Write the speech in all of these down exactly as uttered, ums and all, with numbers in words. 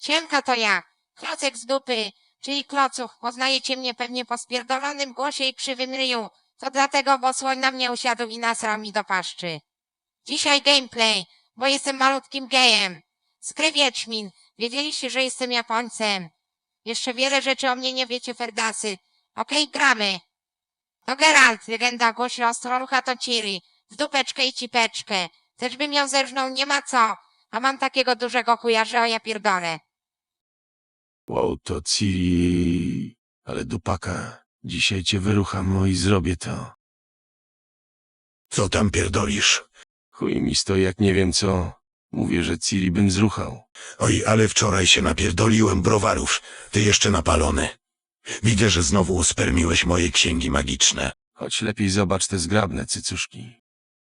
Siemka, to ja, Klocek z dupy, czyli Klocuch. Poznajecie mnie pewnie po spierdolonym głosie i krzywym ryju. To dlatego, bo słoń na mnie usiadł i nasrał mi do paszczy. Dzisiaj gameplay, bo jestem malutkim gejem. Skry Wiedźmin. Wiedzieliście, że jestem Japońcem. Jeszcze wiele rzeczy o mnie nie wiecie, ferdasy. Okej, gramy. To Geralt, legenda głosi ostrolucha to Ciri. W dupeczkę i cipeczkę. Też bym ją zerżnął, nie ma co. A mam takiego dużego chuja, że o ja pierdolę. Wow, to Ciri... Ale dupaka. Dzisiaj cię wyrucham, no i zrobię to. Co tam pierdolisz? Chuj mi stoi, jak nie wiem co. Mówię, że Ciri bym zruchał. Oj, ale wczoraj się napierdoliłem browarów. Ty jeszcze napalony. Widzę, że znowu uspermiłeś moje księgi magiczne. Choć lepiej zobacz te zgrabne cycuszki.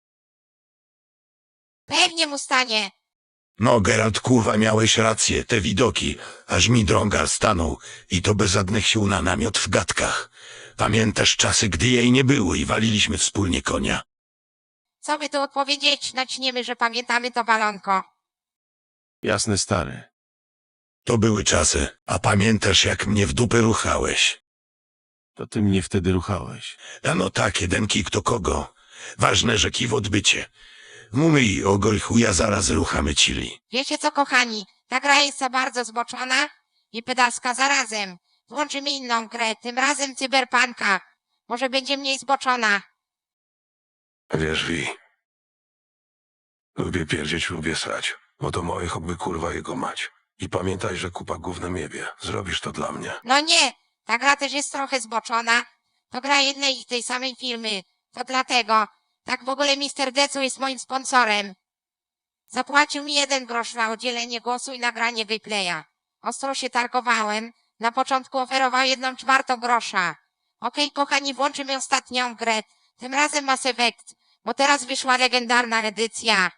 Pewnie mu stanie. No, Geralt, kurwa, miałeś rację, te widoki. Aż mi drąga stanął. I to bez żadnych sił na namiot w gadkach. Pamiętasz czasy, gdy jej nie było i waliliśmy wspólnie konia? Co by tu odpowiedzieć? Naćniemy, że pamiętamy to balonko. Jasne, stary. To były czasy. A pamiętasz, jak mnie w dupę ruchałeś? To ty mnie wtedy ruchałeś. A no tak, jeden kik to kogo. Ważne, że kij w odbycie. Mumy i ogol chuja zaraz ruchamy Ciri. Wiecie co, kochani? Ta gra jest za bardzo zboczona i pedalska zarazem. Włączymy inną grę, tym razem cyberpunka. Może będzie mniej zboczona. Wiesz, Wi, lubię pierdzieć, lubię srać. Oto moje hobby, kurwa, jego mać. I pamiętaj, że kupa gównem jebie. Zrobisz to dla mnie. No nie, ta gra też jest trochę zboczona. To gra jednej i tej samej firmy. To dlatego. Tak w ogóle mister Decu jest moim sponsorem. Zapłacił mi jeden grosz na udzielenie głosu i nagranie gameplaya. Ostro się targowałem. Na początku oferował jedną czwartą grosza. Okej, kochani, włączymy ostatnią grę. Tym razem Mass Effect, bo teraz wyszła legendarna edycja.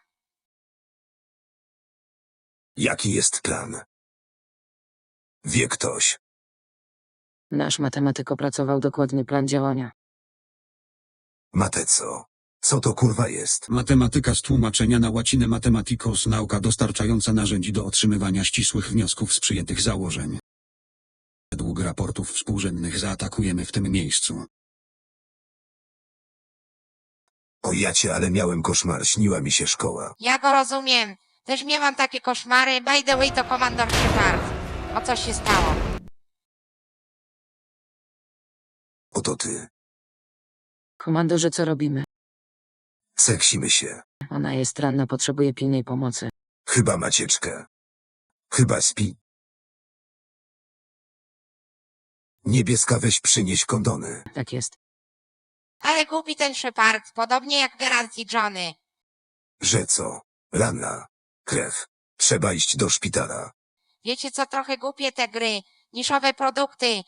Jaki jest plan? Wie ktoś. Nasz matematyk opracował dokładny plan działania. Mateco. Co to kurwa jest? Matematyka z tłumaczenia na łacinę mathematicos, nauka dostarczająca narzędzi do otrzymywania ścisłych wniosków z przyjętych założeń. Według raportów współrzędnych zaatakujemy w tym miejscu. O jacie, ale miałem koszmar, śniła mi się szkoła. Ja go rozumiem. Też miałam takie koszmary. By the way, to komandor Shepard. O co się stało? Oto ty. Komandorze, co robimy? Seksimy się. Ona jest ranna, potrzebuje pilnej pomocy. Chyba macieczkę. Chyba śpi. Niebieska, weź przynieś kondony. Tak jest. Ale głupi ten Shepard, podobnie jak Geralt i Johnny. Że co? Ranna. Krew. Trzeba iść do szpitala. Wiecie co, trochę głupie te gry. Niszowe produkty.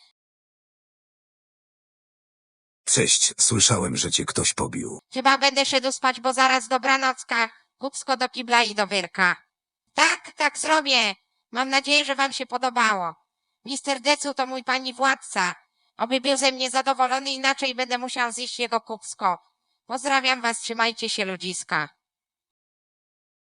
Cześć, słyszałem, że cię ktoś pobił. Chyba będę szedł spać, bo zaraz dobranocka. Kupsko do kibla i do wyrka. Tak, tak zrobię. Mam nadzieję, że wam się podobało. mister Decu to mój pani władca. Oby był ze mnie zadowolony, inaczej będę musiał zjeść jego kupsko. Pozdrawiam was, trzymajcie się, ludziska.